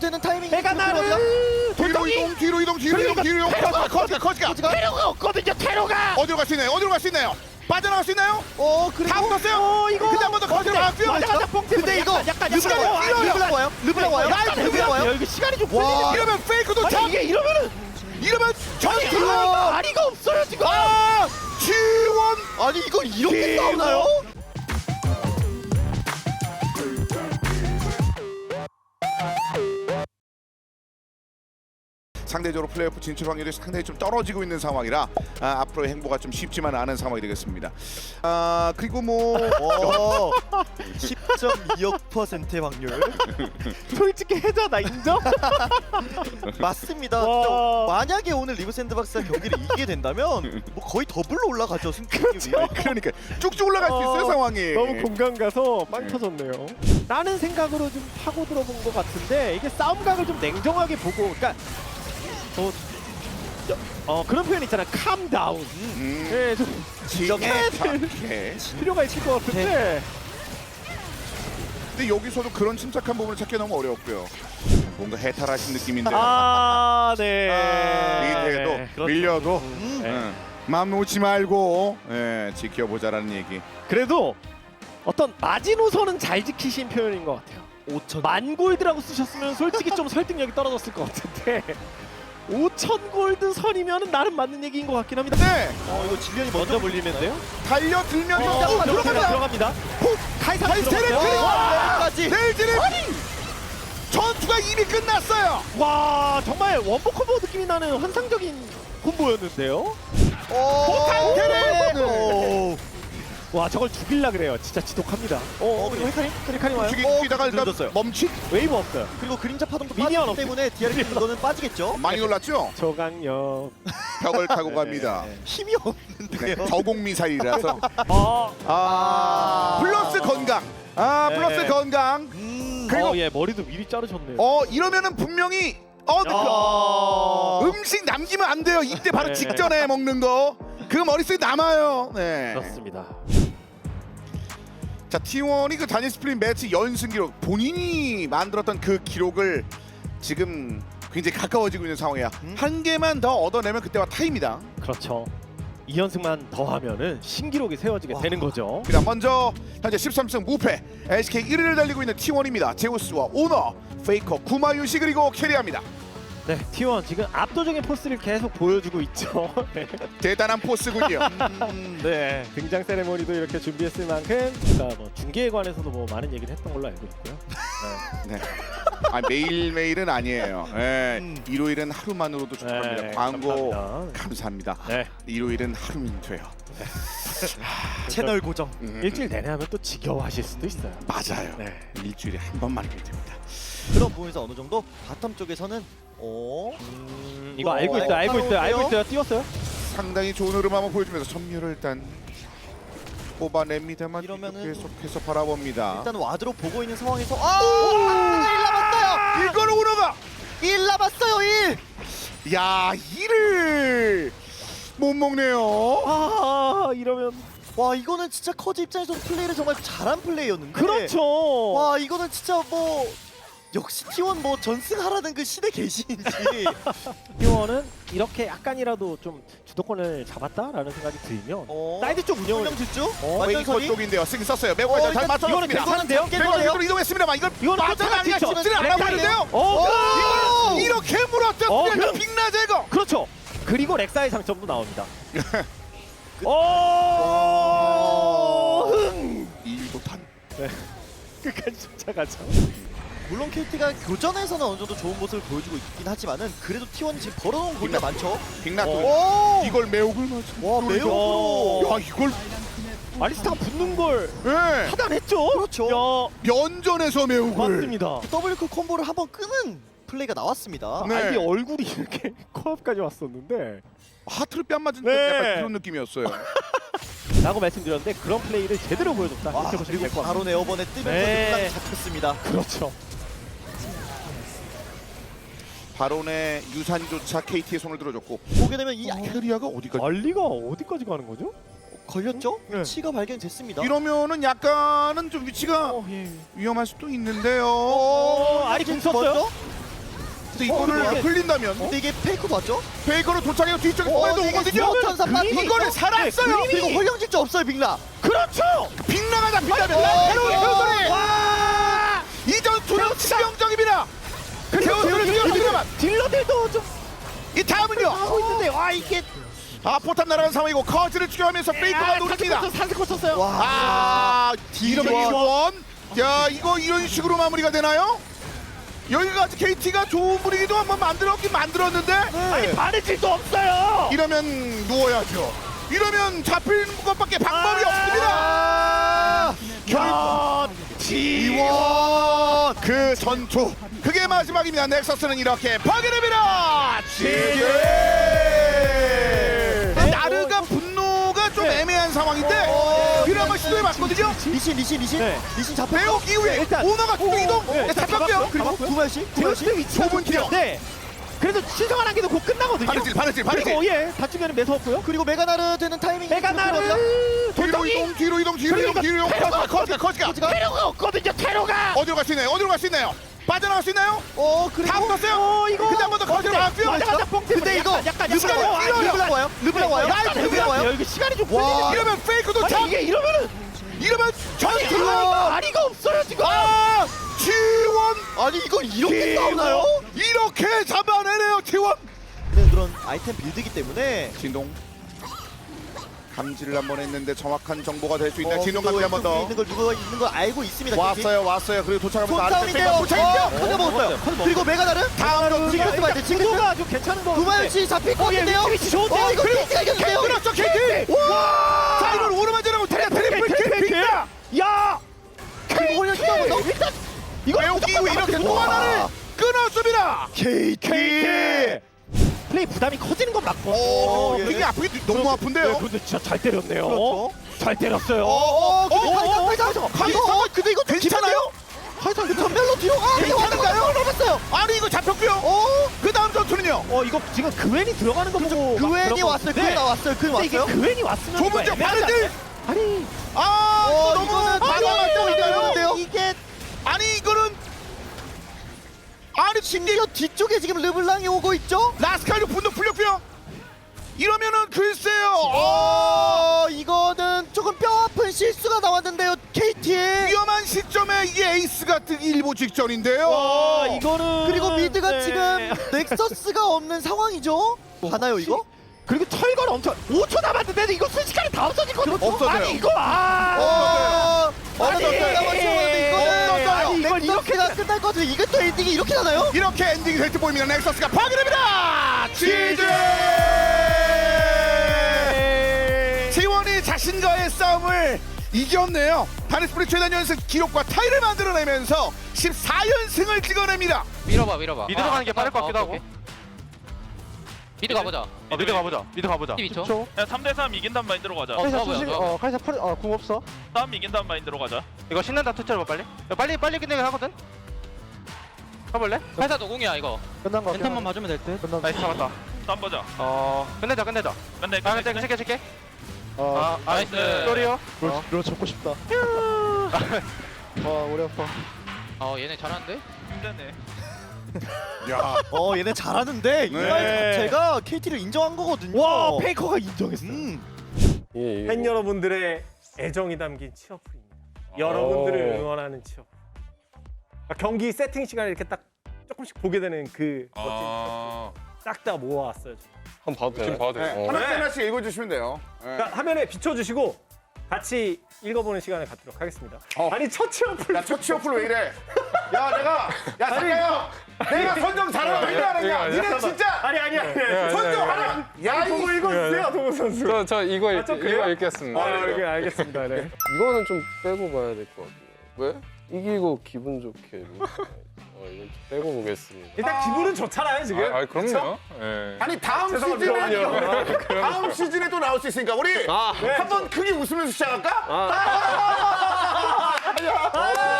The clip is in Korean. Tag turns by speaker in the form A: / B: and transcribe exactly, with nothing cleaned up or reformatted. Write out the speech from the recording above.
A: 되는 타이밍이
B: 내가 나를
C: 뒤로
B: 돌덩이
C: 이동, 뒤로 이동, 뒤로 이동,
B: 그러니까
C: 뒤로 이동.
B: 테러가
C: 커지가, 커지가.
B: 테러가 없거든요. 테러가.
C: 어디로 갈 수 있나요? 어디로 갈 수 있나요? 빠져나갈 수 있나요?
A: 어 그리고
C: 다 붙었어요.
B: 어 이거.
C: 근데 한 번 더 커지가 나왔고요.
B: 맞아 맞아 뽕 때문에
A: 근데 이거
B: 약간 약간
A: 르블랑
B: 약간
A: 와요. 르블랑 와요. 르블랑 와요.
B: 약간
A: 르블랑 와요.
B: 와요. 이거 시간이 좀
A: 와.
B: 걸리네요.
C: 이러면 페이크도
B: 아니
C: 참.
B: 이게 이러면은
C: 이러면
B: 아니
C: 전투.
B: 아리가 아리가 없어요 지금.
C: 아, 지원.
A: 아니 이걸 이렇게
B: 이거.
A: 싸우나요?
C: 상대적으로 플레이오프 진출 확률이 상당히 좀 떨어지고 있는 상황이라 아, 앞으로의 행보가 좀 쉽지만 않은 상황이 되겠습니다. 아 그리고 뭐
A: 어, 십 점 이억 퍼센트의 확률.
B: 솔직히 해자다 인정?
A: 맞습니다.
B: 와.
A: 만약에 오늘 리브 샌드박스가 경기를 이기게 된다면 뭐 거의 더블로 올라가죠 승격이.
C: 그러니까 쭉쭉 올라갈 수 있어요
B: 어,
C: 상황이.
B: 너무 공감 가서 빵
C: 네.
B: 터졌네요. 라는 생각으로 좀 파고 들어본 것 같은데 이게 싸움각을 좀 냉정하게 보고 그러니까 어, 저, 어 그런 표현 있잖아. calm down.
C: 음,
B: 예, 좀
C: 진정해.
B: 진정해.
C: 착해.
B: 필요가 있을 것 같은데
C: 근데 여기서도 그런 침착한 부분을 찾기 너무 어려웠고요. 뭔가 해탈하신 느낌인데
B: 아, 네.
C: 리드해도
B: 네, 그렇죠.
C: 밀려도
A: 음.
B: 네.
C: 응. 마음 놓지 말고 예, 지켜보자라는 얘기.
B: 그래도 어떤 마지노선은 잘 지키신 표현인 것 같아요.
A: 오천.
B: 만골드라고 쓰셨으면 솔직히 좀 설득력이 떨어졌을 것 같은데 오천 골드 선이면 나름 맞는 얘기인 것 같긴 합니다.
C: 네,
A: 어 이거 질련이
B: 먼저 물리는데요?
C: 달려들면서
B: 어,
C: 어,
B: 들어갑니다.
C: 들어간다.
B: 들어갑니다. 훅! 카이사
C: 카이사를
B: 들어갔어요.
C: 그리고
B: 와!
A: 까지.
C: 내일지는 전투가 이미 끝났어요.
B: 와 정말 원포 콤보 느낌이 나는 환상적인 콤보였는데요.
A: 오.
C: 테레.
A: 오.
B: 와 저걸 죽일라 그래요. 진짜 지독합니다. 어, 어 그리고 헤카림? 헤카림 와요?
C: 죽이,
A: 어,
C: 죽이다가 일단
A: 늦었어요.
C: 멈칫.
B: 웨이브 없어요.
A: 그리고 그림자 파동도
B: 미니언
A: 빠지기 때문에 디아르 이거는 빠지겠죠.
C: 많이 놀랐죠?
B: 저강력.
C: 벽을 타고 갑니다.
A: 힘이 없는데요.
C: 네, 저공 미사일이라서.
B: 어,
C: 아, 플러스 건강. 아,
A: 네.
C: 플러스 건강.
A: 음.
C: 그리고
B: 어, 예 머리도 미리 자르셨네요.
C: 어 이러면은 분명히 어 그,
B: 야.
C: 음식 남기면 안 돼요. 이때 바로
B: 네.
C: 직전에 먹는 거. 그 머릿속에 남아요. 네.
B: 그렇습니다.
C: 자, 티원이 그 단일 스플릿 매치 연승 기록 본인이 만들었던 그 기록을 지금 굉장히 가까워지고 있는 상황이야.
A: 음.
C: 한 개만 더 얻어내면 그때와 타입니다.
B: 그렇죠. 이 연승만 더하면은 신기록이 세워지게
A: 와.
B: 되는 거죠.
C: 그다음 먼저 현재 십삼 승 무패 엘시케이 일 위를 달리고 있는 티원입니다. 제우스와 오너, 페이커, 구마유시 그리고 캐리합니다.
B: 네, 티원 지금 압도적인 포스를 계속 보여주고 있죠. 네.
C: 대단한 포스군요.
A: 음.
B: 네, 등장 세레모니도 이렇게 준비했을 만큼 그러니까 뭐 중계에 관해서도 뭐 많은 얘기를 했던 걸로 알고 있고요. 네.
C: 네. 아, 매일매일은 아니에요. 네.
A: 음.
C: 일요일은 하루만으로도 축하합니다.
B: 네,
C: 광고
B: 감사합니다.
C: 감사합니다.
B: 네.
C: 일요일은 하루면 돼요.
A: 채널 고정.
C: 음,
B: 일주일 내내 하면 또 지겨워하실 수도 있어요.
C: 맞아요.
B: 네.
C: 일주일에 한 번만 하면 됩니다.
A: 그런 부분에서 어느 정도 바텀 쪽에서는 어
B: 음, 이거
A: 어,
B: 알고 있어요, 알고 있어요, 알고
A: 알아볼게요.
B: 있어요. 띄웠어요?
C: 상당히 좋은 흐름 한번 보여주면서 점유를 일단 뽑아냅니다만
A: 이러면은-
C: 계속해서 바라봅니다.
A: 일단 와드로 보고 있는 상황에서 아! 일 남았어요.
C: 이걸 오너가
A: 일 남았어요. 일.
C: 야 이를 못 먹네요.
B: 아, 이러면
A: 와 이거는 진짜 커즈 입장에서 플레이를 정말 잘한 플레이였는데.
B: 그렇죠.
A: 와 이거는 진짜 뭐 역시 티원 뭐 전승하라는 그 신의 계시인지.
B: 티원은 이렇게 약간이라도 좀 주도권을 잡았다라는 생각이 들면
A: 어.
B: 사이드 쪽 운영을
A: 운영 질주?
B: 어,
A: 완전
C: 페이커
A: 선이?
C: 쪽인데요. 승 썼어요. 매우
A: 어,
C: 잘
A: 일단
C: 맞췄습니다.
B: 이거는 괜찮은데요?
C: 페이커 쪽으로 이동했습니다만 이걸
B: 이거는
C: 빠져나가기가
B: 또
C: 쉽지는
A: 네,
C: 않아 보이는데요.
B: 어,
C: 이걸 이렇게
B: 어,
C: 물었던
B: 그럼-
C: 빅나 제거.
B: 그렇죠. 그리고 렉사의 장점도 나옵니다.
A: 그-
B: 오, 흥!
C: 이도탄.
B: 끝까지 쫓아가죠.
A: 물론 케이티가 교전에서는 어느 정도 좋은 모습을 보여주고 있긴 하지만은 그래도 티원이 지금 벌어놓은 골이 많죠.
C: 빅나
B: 어.
C: 또 이걸 매혹을 맞춰.
A: 와 매우.
C: 야 이걸
B: 아리스타가 붙는 걸
C: 예.
B: 차단했죠.
A: 그렇죠.
B: 야,
C: 면전에서 매혹을.
B: 맞습니다.
A: 더블클 콤보를 한번 끄는 플레이가 나왔습니다.
C: 네.
B: 아이디 얼굴이 이렇게 코앞까지 왔었는데
C: 하트를 뺨 맞은
B: 네.
C: 약간 그런 느낌이었어요.
B: 라고 말씀드렸는데 그런 플레이를 제대로 보여줬다.
A: 와
B: 이렇게 보시면
A: 그리고
B: 될 것 같아요.
A: 바로 네어번에 뜨면서
B: 네.
A: 딱 잡혔습니다.
B: 그렇죠.
C: 바론의 유산조차 케이티의 손을 들어줬고
A: 보게 되면 이
C: 캐리아가 어디까지?
B: 알리가 어디까지 가는 거죠?
A: 걸렸죠?
B: 네.
A: 위치가 발견됐습니다.
C: 이러면은 약간은 좀 위치가
B: 어, 예.
C: 위험할 수도 있는데요.
B: 어, 아리 궁
A: 먼저?
B: 썼어요?
C: 근데 이거를
A: 어,
C: 흘린다면
A: 근데 이게 페이크도 맞죠?
C: 페이커로 도착해서 뒤쪽에
A: 어,
C: 통해도
A: 이게
C: 오거든요.
A: 천삼 반
B: 그림이-
C: 이거를 살았어요.
B: 네,
A: 그리고 홀령질주 없어요 빅라.
B: 그렇죠.
C: 빅나가 잡힌다면
A: 어,
C: 새로운
A: 어,
C: 효소리.
B: 와.
C: 이 전투는 치명적입니다.
B: 그리고
C: 세월을
B: 딜러-
C: 뛰어들어가면
B: 딜러들도 좀
C: 이 다음은요.
B: 하고 있는데 와 이게
C: 아 포탑 날아간 상황이고 커즈를 추격하면서 페이커가 노립니다.
B: 사슬 꽂혔어요.
A: 와.
C: 아 이러면
A: T 원.
C: 이원. 야 이거 이런 식으로 마무리가 되나요? 여기까지 케이티가 좋은 분위기도 한번 만들었긴 만들었는데
B: 아니 바느질도 없어요.
C: 이러면 누워야죠. 이러면 잡히는 것밖에 방법이
B: 아.
C: 없습니다.
B: 야,
C: 이원 그 전투 그게 마지막입니다. 넥서스는 이렇게 파괴됩니다. 지지. 나르가 분노가 좀
B: 네.
C: 애매한 상황인데
A: 어,
C: 그를 한번 시도해봤거든요.
A: 리신 리신 리신
B: 네.
A: 리신 잡혀.
C: 배옥 이후에
B: 일단-
C: 오너가 또 이동
B: 네,
C: 네, 잡혔고요.
B: 잡았고요.
A: 그리고
B: 잡았고요.
A: 구마씨 구마씨.
B: 제우스 위치가
C: 좁은
B: 좋고요.
C: 티어.
B: 네. 그래도 신성한 한개도 곧 끝나거든요.
C: 바느질 바느질 바느질.
B: 그리고 예, 다중에는 매서웠고요.
A: 그리고 메가나르 되는 타이밍.
B: 메가나르
C: 뒤로
B: 돌덩이
C: 이동 뒤로 이동 뒤로 이동 뒤로 이동.
B: 테러가
C: 커즈가 커즈가 커즈가
B: 테러가 없거든요. 테러가.
C: 어디로 갈 수 있나요? 어디로 갈 수 있나요? 빠져나갈 수 있나요?
A: 어 그리고
C: 다 붙었어요.
B: 어 이거.
C: 근데 한 번 더 거기로 나왔고요.
B: 맞아 맞아 뽕 때문에
A: 근데 이거
B: 약간 약간
C: 르블랑
B: 약간
C: 와요.
B: 어,
A: 르블랑 와요. 르블랑 와요.
B: 약간
A: 르블랑
B: 르블랑
A: 와요.
B: 와요. 이거 시간이 좀
A: 와.
B: 걸리네요.
C: 이러면 페이크도
B: 아니
C: 참
B: 이게 이러면은
C: 이러면
B: 아니
C: 전투
B: 아리가 아리가 없어요 지금.
C: 아 티원
A: 아니 이걸 이렇게
B: 이거.
A: 싸우나요?
C: 이렇게 잡아내네요 티원.
A: 네, 그런 아이템 빌드이기 때문에
C: 진동 감지를 한번 했는데 정확한 정보가 될 수 있나요?
A: 어,
C: 진동
A: 또
C: 감지 한번 더
A: 있는 걸 누가 있는 걸 알고 있습니다.
C: 왔어요 왔어요. 그리고 도착하면서 아래쪽
A: 손싸움인데요.
C: 페이커
A: 어,
C: 도착했죠.
A: 커져 먹었어요. 그리고 메가나르
C: 다음으로
A: 징크스 봐야 돼. 징크스.
B: 구도가 좀 괜찮은 거.
A: 구마유씨 잡힐 것
B: 어, 예,
A: 같은데요.
B: 위치 좋은데요?
A: 어 이거
C: 그리고
A: 케이티가 이겼는데요.
C: 끊었죠 케이티.
B: 와.
C: 자 이걸 오르만 지나고 트리플 트리플 빅다.
B: 야.
A: 그리고 홀령 시도 한번 더.
B: 일단 이거
C: 매우 끼고 이렇게 또
A: 와.
C: 하나를 끊었습니다.
A: 케이티.
B: 플레이 부담이 커지는 건 맞고.
C: 오,
A: 예.
C: 이게 아프게 너무
B: 네,
C: 아픈데요.
B: 근데 진짜 잘 때렸네요.
A: 그렇죠.
B: 잘 때렸어요.
A: 어, 근데
C: 어,
A: 카이사
C: 어,
A: 카이사
C: 어,
A: 카이사. 어, 근데 이거 좀
C: 괜찮아요?
A: 카이사 그 전멸로 뒤로. 아, 이거
C: 괜찮은가요?
A: 넘었어요.
C: 아니 이거 잡혔고요.
A: 어,
C: 그 다음 전투는요.
B: 어 이거 지금 그웬이 들어가는 거 보고 막
A: 그웬이
B: 그런
A: 왔어요.
B: 건데.
A: 그웬 왔어요. 그웬
B: 근데 이게
A: 왔어요.
B: 그웬이 왔으면
C: 좁은
B: 이거
C: 쪽
B: 애매하지
C: 바느질.
B: 않나요? 아니
C: 아
A: 어,
C: 이거 너무
A: 이거는
C: 과감할
A: 아니,
C: 때인가요?
A: 이게
C: 아니 이거는 아니
A: 심지어 뒤쪽에 지금 르블랑이 오고 있죠?
C: 라스칼도 분노 풀렸고요. 이러면은 글쎄요. 어,
A: 어, 이거는 조금 뼈 아픈 실수가 나왔는데요. 케이티의.
C: 위험한 시점에 이게 에이스가 뜨기 일보 직전인데요.
B: 와 이거는
A: 그리고 미드가
B: 네.
A: 지금 넥서스가 없는 상황이죠? 가나요 이거?
B: 그리고 철거는 엄청 오 초 남았는데 이거 순식간에 다 없어질 거죠.
C: 없어져요.
B: 아니 이거 아.
A: 어, 어느
B: 아니.
A: 정도 남았지만 이거는
C: 없어져요.
B: 이걸 이렇게
A: 넥서스가 끝날 것 같은데 이게 또 엔딩이 이렇게 나나요?
C: 이렇게 엔딩이 될 듯 보입니다. 넥서스가 파괴됩니다. 지지. 지원이 자신과의 싸움을 이겼네요. 다니스프리 최단 연승 기록과 타이를 만들어내면서 십사 연승을 찍어냅니다.
D: 밀어봐 밀어봐
E: 미드로 가는 게 빠를 것 같기도 하고.
D: 미드 가보자
E: 어, 미드 가보자. 미드 가보자.
D: 십이 초
E: 야 삼 대 삼 이긴단 마인드로 가자.
D: 어, 좋아 보여, 좋아 보여.
B: 카이사 풀, 어, 궁 없어.
E: 싸움 이긴단 마인드로 가자.
F: 이거 신난다 투처로 빨리. 야, 빨리 빨리 끝내긴 하거든. 가볼래?
D: 회사 노공이야 이거
B: 끝난 거.
D: 멘탈만 봐주면 될듯
B: 끝난
F: 나이스 잡았다.
E: 싸움 보자.
F: 어 끝내자 끝내자.
E: 근데
F: 아
E: 근데
F: 근데 칠게 칠게.
B: 어,
F: 아
D: 나이스.
F: 소리요.
B: 로, 로 잡고 싶다. 와, 오래 아파.
D: 어 얘네 잘하는데?
E: 힘드네.
C: 야,
A: 어 얘네 잘하는데 이 말
C: 네.
A: 자체가 케이티를 인정한 거거든요.
B: 와, 페이커가 인정했어.
A: 음.
G: 팬 여러분들의 애정이 담긴 치어풀입니다. 여러분들을 응원하는 치어풀. 그러니까 경기 세팅 시간에 이렇게 딱 조금씩 보게 되는 그 멋진 치어풀. 싹 다 모아왔어요. 지금.
H: 한번 봐도 돼. 지금 봐도 돼.
C: 네. 하나씩 하나씩 읽어주시면 돼요. 네.
G: 그러니까 화면에 비춰주시고 같이 읽어보는 시간을 갖도록 하겠습니다.
C: 어.
G: 아니 첫 치어풀.
C: 야, 첫 치어풀 왜 이래? 야, 내가 야, 잠깐요. 내가 선정 잘하는 왜안 했냐? 니네 진짜
G: 아니 아니 아니.
C: 선정 하나. 야,
G: 보고
C: 이
G: 읽어주세요, 동훈 선수.
H: 저, 저 이거, 읽,
G: 좀 그래요?
H: 이거 읽겠습니다.
G: 아, 이렇게 알겠습니다. 네.
H: 이거는 좀 빼고 봐야 될 것 같아요. 왜? 이기고 기분 좋게. 어, 이건 좀 빼고 보겠습니다.
G: 일단 기분은 좋잖아요 지금.
H: 아, 아 그럼요. 예.
C: 아니 다음
G: 죄송합니다.
C: 시즌에 다음 시즌에 또 나올 수 있으니까 우리 한번 크게 웃으면서 시작할까? 아, 야,